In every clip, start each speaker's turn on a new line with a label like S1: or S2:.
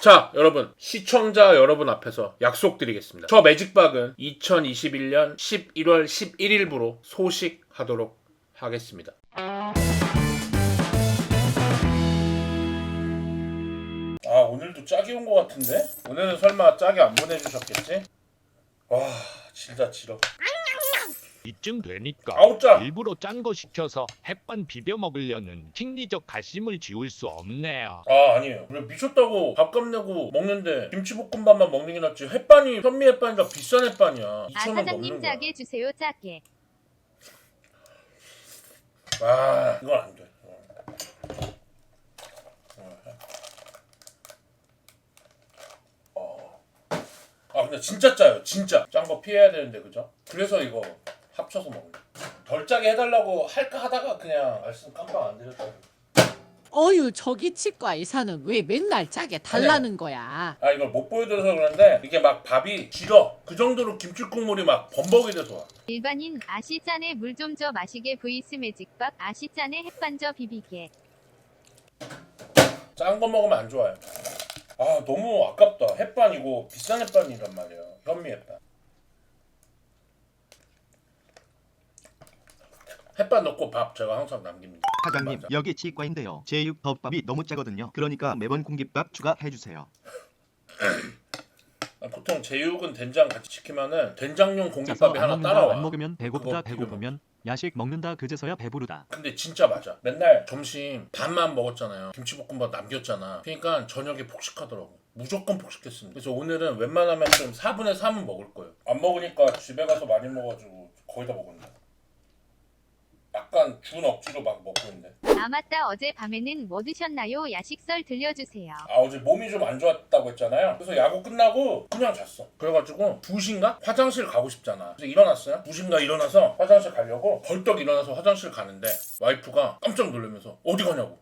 S1: 자, 여러분, 시청자 여러분 앞에서 약속드리겠습니다. 저 매직박은 2021년 11월 11일부로 소식하도록 하겠습니다. 아, 오늘도 짝이 온 것 같은데? 오늘은 설마 짝이 안 보내주셨겠지? 와, 진짜 지러.
S2: 이쯤 되니까
S1: 아우, 짜!
S2: 일부러 짠 거 시켜서 햇반 비벼 먹으려는 킹리적 가심을 지울 수 없네요.
S1: 아, 아니에요. 왜 미쳤다고 밥값 내고 먹는데 김치볶음밥만 먹는 게 낫지. 햇반이 현미 햇반이라 비싼 햇반이야. 2,000원
S3: 사장님
S1: 넘는 거야.
S3: 짜게 주세요 짜게.
S1: 아, 이건 안 돼. 아, 근데 진짜 짜요. 진짜 짠 거 피해야 되는데, 그죠? 그래서 이거 합쳐서 먹는. 덜 짜게 해달라고 할까 하다가 그냥 말씀 깜빡 안 드렸다.
S4: 어휴, 저기 치과 의사는 왜 맨날 짜게 달라는 거야?
S1: 아, 이걸 못 보여드려서 그런데 이게 막 밥이 질어. 그 정도로 김치 국물이 막 범벅이 돼서 와.
S3: 일반인 아시짠에 물 좀 줘 마시게 vs 매직박 아시짠에 햇반 줘 비비게.
S1: 짠 거 먹으면 안 좋아요. 아, 너무 아깝다. 햇반이고 비싼 햇반이란 말이야. 현미 햇반. 햇반 넣고 밥 제가 항상 남깁니다.
S5: 사장님
S1: 맞아.
S5: 여기 치과인데요. 제육 덮밥이 너무 짜거든요. 그러니까 매번 공깃밥 추가해주세요.
S1: 보통 제육은 된장 같이 시키면은 된장용
S6: 짜서
S1: 공깃밥이
S6: 안
S1: 하나
S6: 먹는다
S1: 따라와.
S6: 안 먹으면 배고프다
S1: 그거
S6: 배고프면 야식 먹는다 그제서야 배부르다.
S1: 근데 진짜 맞아. 맨날 점심 밥만 먹었잖아요. 김치볶음밥 남겼잖아. 그러니까 저녁에 폭식하더라고. 무조건 폭식했습니다. 그래서 오늘은 웬만하면 좀 4분의 3은 먹을 거예요. 안 먹으니까 집에 가서 많이 먹어가지고 거의 다 먹었네. 약간 준 억지로 막 먹고 있는데.
S3: 아 맞다 어제 밤에는 뭐 드셨나요? 야식설 들려주세요.
S1: 아, 어제 몸이 좀 안 좋았다고 했잖아요. 그래서 야구 끝나고 그냥 잤어. 그래가지고 2시인가? 화장실 가고 싶잖아. 그래서 일어났어요. 2시인가 일어나서 화장실 가려고 벌떡 일어나서 화장실 가는데 와이프가 깜짝 놀라면서 어디 가냐고.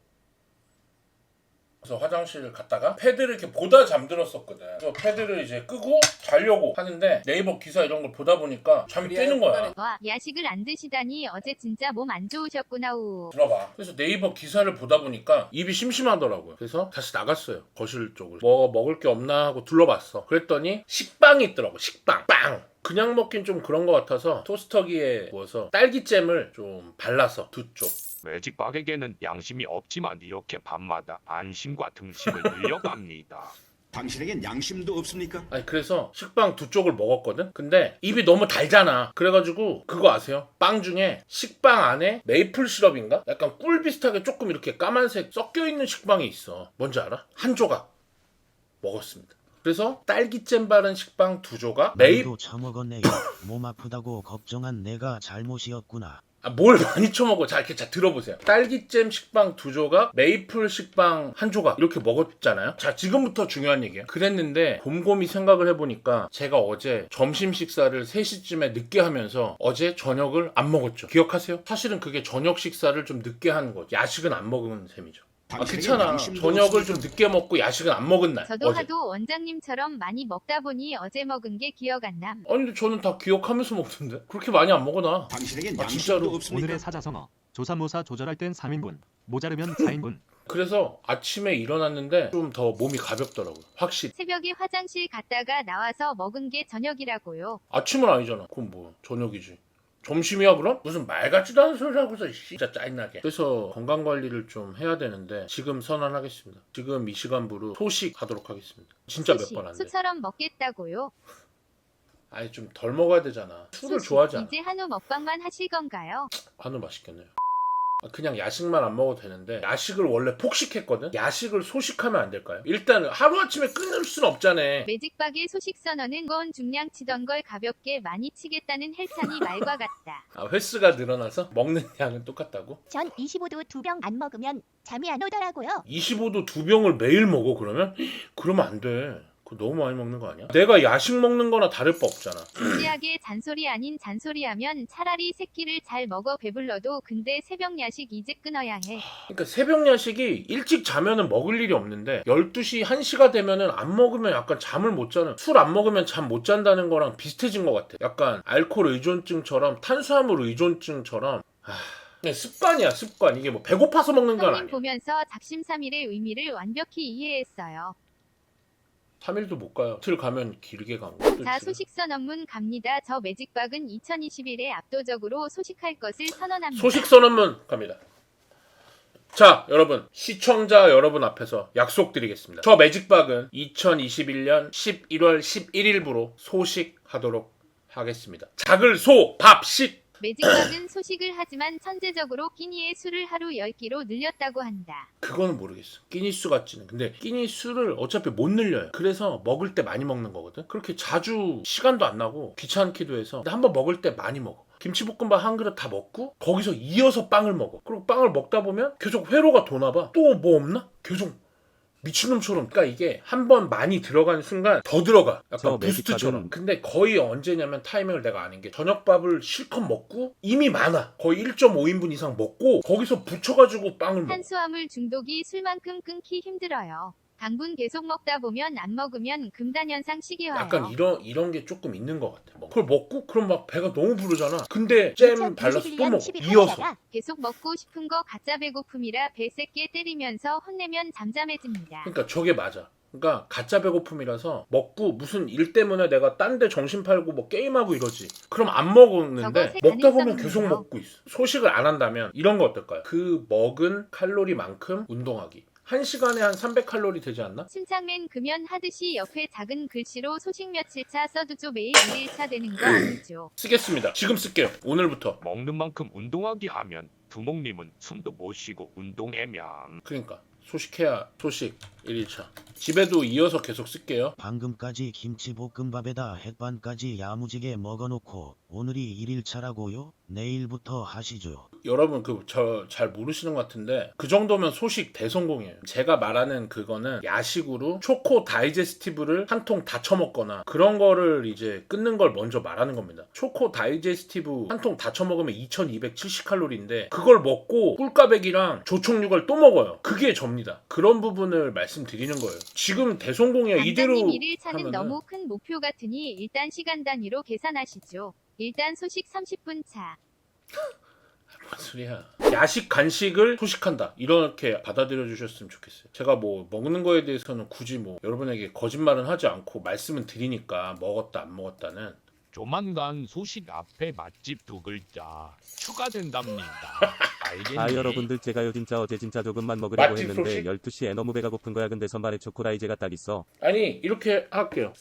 S1: 그래서 화장실 갔다가 패드를 이렇게 보다 잠들었었거든. 그래서 패드를 이제 끄고 자려고 하는데 네이버 기사 이런 걸 보다 보니까 잠이 깨는 거야.
S3: 와 야식을 안 드시다니 어제 진짜 몸 안 좋으셨구나 우.
S1: 들어봐. 그래서 네이버 기사를 보다 보니까 입이 심심하더라고요. 그래서 다시 나갔어요. 거실 쪽으로. 뭐 먹을 게 없나 하고 둘러봤어. 그랬더니 식빵이 있더라고. 식빵. 빵! 그냥 먹긴 좀 그런 것 같아서 토스터기에 구워서 딸기잼을 좀 발라서 두 쪽.
S2: 매직박에게는 양심이 없지만 이렇게 밤마다 안심과 등심을 늘려갑니다.
S7: 당신에겐 양심도 없습니까?
S1: 아니, 그래서 식빵 두 쪽을 먹었거든? 근데 입이 너무 달잖아. 그래가지고 그거 아세요? 빵 중에 식빵 안에 메이플 시럽인가? 약간 꿀 비슷하게 조금 이렇게 까만색 섞여있는 식빵이 있어. 뭔지 알아? 한 조각 먹었습니다. 그래서 딸기잼 바른 식빵 두 조각
S8: 나도 처먹었네요. 몸 아프다고 걱정한 내가 잘못이었구나.
S1: 아, 뭘 많이 처먹어. 자, 이렇게 들어보세요. 딸기잼 식빵 두 조각, 메이플 식빵 한 조각 이렇게 먹었잖아요. 자, 지금부터 중요한 얘기예요. 그랬는데 곰곰이 생각을 해보니까 제가 어제 점심 식사를 3시쯤에 늦게 하면서 어제 저녁을 안 먹었죠. 기억하세요? 사실은 그게 저녁 식사를 좀 늦게 하는 거죠. 야식은 안 먹은 셈이죠. 아,
S7: 당신에겐
S1: 괜찮아.
S7: 양심도
S1: 저녁을
S7: 없습니까?
S1: 좀 늦게 먹고 야식은 안 먹은 날.
S3: 저도
S1: 어제.
S3: 하도 원장님처럼 많이 먹다 보니 어제 먹은 게 기억 안 남.
S1: 아니, 근데 저는 다 기억하면서 먹던데? 그렇게 많이 안 먹어, 나.
S7: 당신에겐
S1: 아,
S7: 양심도
S1: 진짜로.
S7: 없습니까?
S6: 오늘의 사자성어 조사모사 조절할 땐 3인분 모자르면 4인분.
S1: 그래서 아침에 일어났는데 좀 더 몸이 가볍더라고요. 확실히.
S3: 새벽에 화장실 갔다가 나와서 먹은 게 저녁이라고요.
S1: 아침은 아니잖아. 그럼 뭐 저녁이지. 점심이야 그럼? 무슨 말 같지도 않은 소리 하고서 진짜 짜증나게. 그래서 건강관리를 좀 해야 되는데 지금 선언하겠습니다. 지금 이 시간부로 소식하도록 하겠습니다. 진짜 몇
S3: 수시,
S1: 번 안 돼.
S3: 수처럼 먹겠다고요.
S1: 아니, 좀 덜 먹어야 되잖아. 술을
S3: 수시,
S1: 좋아하지 않아.
S3: 이제 한우 먹방만 하실 건가요?
S1: 한우 맛있겠네요. 그냥 야식만 안 먹어도 되는데 야식을 원래 폭식했거든? 야식을 소식하면 안 될까요? 일단 하루아침에 끊을 순 없잖아.
S3: 매직박의 소식 선언은 건 중량 치던 걸 가볍게 많이 치겠다는 헬찬이 말과 같다.
S1: 아, 횟수가 늘어나서 먹는 양은 똑같다고?
S9: 전 25도 2병 안 먹으면 잠이 안 오더라고요.
S1: 25도 2병을 매일 먹어 그러면? 그러면 안 돼. 그거 너무 많이 먹는 거 아니야? 내가 야식 먹는 거나 다를 바 없잖아.
S3: 진지하게 잔소리 아닌 잔소리하면 차라리 새끼를 잘 먹어 배불러도 근데 새벽 야식 이제 끊어야 해.
S1: 그러니까 새벽 야식이 일찍 자면은 먹을 일이 없는데 12시, 1시가 되면은 안 먹으면 약간 잠을 못 자는, 술 안 먹으면 잠 못 잔다는 거랑 비슷해진 것 같아. 약간 알코올 의존증처럼, 탄수화물 의존증처럼. 그냥 습관이야, 습관. 이게 뭐 배고파서 먹는 건
S3: 형님
S1: 아니야.
S3: 보면서 작심삼일의 의미를 완벽히 이해했어요.
S1: 3일도 못 가요. 이틀 가면 길게 간 거.
S3: 자, 소식선 업문 갑니다. 저 매직박은 2021에 압도적으로 소식할 것을 선언합니다.
S1: 소식선 업문 갑니다. 자, 여러분, 시청자 여러분 앞에서 약속드리겠습니다. 저 매직박은 2021년 11월 11일부로 소식하도록 하겠습니다. 작을 소, 밥, 식.
S3: 매직박은 소식을 하지만 천재적으로 끼니의 수를 하루 10끼로 늘렸다고 한다.
S1: 그거는 모르겠어. 끼니 수 같지는. 근데 끼니 수를 어차피 못 늘려요. 그래서 먹을 때 많이 먹는 거거든. 그렇게 자주 시간도 안 나고 귀찮기도 해서. 근데 한번 먹을 때 많이 먹어. 김치볶음밥 한 그릇 다 먹고 거기서 이어서 빵을 먹어. 그리고 빵을 먹다 보면 계속 회로가 도나 봐. 또 뭐 없나? 계속 미친놈처럼. 그러니까 이게 한 번 많이 들어가는 순간 더 들어가.
S6: 저
S1: 약간 부스트처럼.
S6: 매직박은-
S1: 근데 거의 언제냐면 타이밍을 내가 아는 게 저녁밥을 실컷 먹고 이미 많아. 거의 1.5인분 이상 먹고 거기서 붙여가지고 빵을 먹어.
S3: 탄수화물 중독이 술만큼 끊기 힘들어요. 당분 계속 먹다 보면 안 먹으면 금단현상 시기 와요.
S1: 약간 이런 게 조금 있는 것 같아. 그걸 먹고 그럼 막 배가 너무 부르잖아. 근데 잼 발라서 또 먹어.
S9: 11월
S1: 이어서.
S9: 11일에다가
S3: 계속 먹고 싶은 거 가짜 배고픔이라 배 세게 때리면서 혼내면 잠잠해집니다.
S1: 그러니까 저게 맞아. 그러니까 가짜 배고픔이라서 먹고 무슨 일 때문에 내가 딴 데 정신 팔고 뭐 게임하고 이러지. 그럼 안 먹었는데
S3: 저거
S1: 먹다 보면
S3: 가능성이네요.
S1: 계속 먹고 있어. 소식을 안 한다면 이런 거 어떨까요? 그 먹은 칼로리만큼 운동하기. 1시간에 한 300칼로리 되지 않나?
S3: 침착맨 금연 하듯이 옆에 작은 글씨로 소식 며칠차 써두죠. 매일 1일차 되는 거 아니죠.
S1: 쓰겠습니다. 지금 쓸게요. 오늘부터.
S2: 먹는 만큼 운동하기 하면 두목님은 숨도 못 쉬고 운동하면
S1: 그러니까 소식해야 소식 1일차. 집에도 이어서 계속 쓸게요.
S8: 방금까지 김치볶음밥에다 햇반까지 야무지게 먹어놓고 오늘이 1일차라고요? 내일부터 하시죠.
S1: 여러분 그 저 잘 모르시는 것 같은데 그 정도면 소식 대성공이에요. 제가 말하는 그거는 야식으로 초코 다이제스티브를 한 통 다 처먹거나 그런 거를 이제 끊는 걸 먼저 말하는 겁니다. 초코 다이제스티브 한 통 다 처먹으면 2270칼로리인데 그걸 먹고 꿀까백이랑 조총육을 또 먹어요. 그게 접니다. 그런 부분을 말씀드리는 거예요. 지금 대성공이야. 이대로
S3: 강사님 1일차는
S1: 하면은
S3: 너무 큰 목표 같으니 일단 시간 단위로 계산하시죠. 일단 소식 30분 차.
S1: 뭔 소리야. 야식 간식을 소식한다. 이렇게 받아들여 주셨으면 좋겠어요. 제가 뭐 먹는 거에 대해서는 굳이 뭐 여러분에게 거짓말은 하지 않고 말씀은 드리니까 먹었다 안 먹었다는.
S2: 조만간 소식 앞에 맛집 2글자 추가된답니다. 알겠니?
S6: 아 여러분들 제가요 진짜 어제 진짜 조금만 먹으려고
S1: 맛집
S6: 했는데
S1: 소식?
S6: 12시에 너무 배가 고픈 거야. 근데 선반에 초코라이제가 딱 있어.
S1: 아니 이렇게 할게요.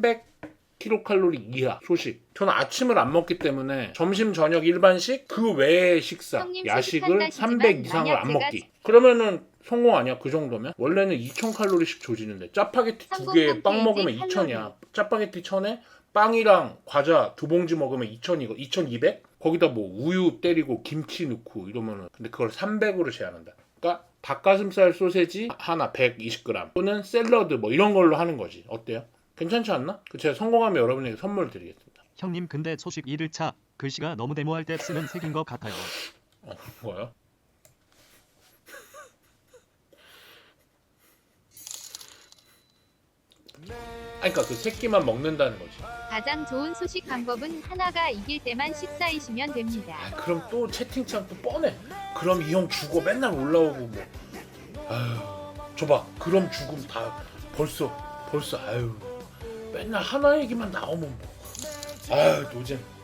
S1: 300kcal 이하 소식. 저는 아침을 안 먹기 때문에 점심 저녁 일반식 그 외의 식사
S3: 형님
S1: 야식을
S3: 소식한다시지만
S1: 300 이상을
S3: 만약
S1: 안
S3: 제가
S1: 먹기. 그러면은 성공 아니야? 그 정도면? 원래는 2000칼로리씩 조지는데 짜파게티
S3: 성공
S1: 2개에 빵 먹으면
S3: 홈페이지
S1: 2000이야. 짜파게티 1000에 빵이랑 과자 2봉지 먹으면 2000이고 2200? 거기다 뭐 우유 때리고 김치 넣고 이러면은 근데 그걸 300으로 제한한다. 그러니까 닭가슴살 소세지 하나 120g 또는 샐러드 뭐 이런 걸로 하는 거지. 어때요? 괜찮지 않나? 제가 성공하면 여러분에게 선물 드리겠습니다.
S6: 형님 근데 소식 1일차 글씨가 너무 데모할 때 쓰는 색인 것 같아요.
S1: 뭐요? 아니 그러니까 그 새끼만 먹는다는 거지.
S3: 가장 좋은 소식 방법은 하나가 이길 때만 식사이시면 됩니다.
S1: 아, 그럼 또 채팅창 또 뻔해. 그럼 이 형 죽어 맨날 올라오고 뭐. 아유, 줘봐. 그럼 죽음 다 벌써 아유. 맨날 하나 얘기만 나오면 뭐. 아유 노잼.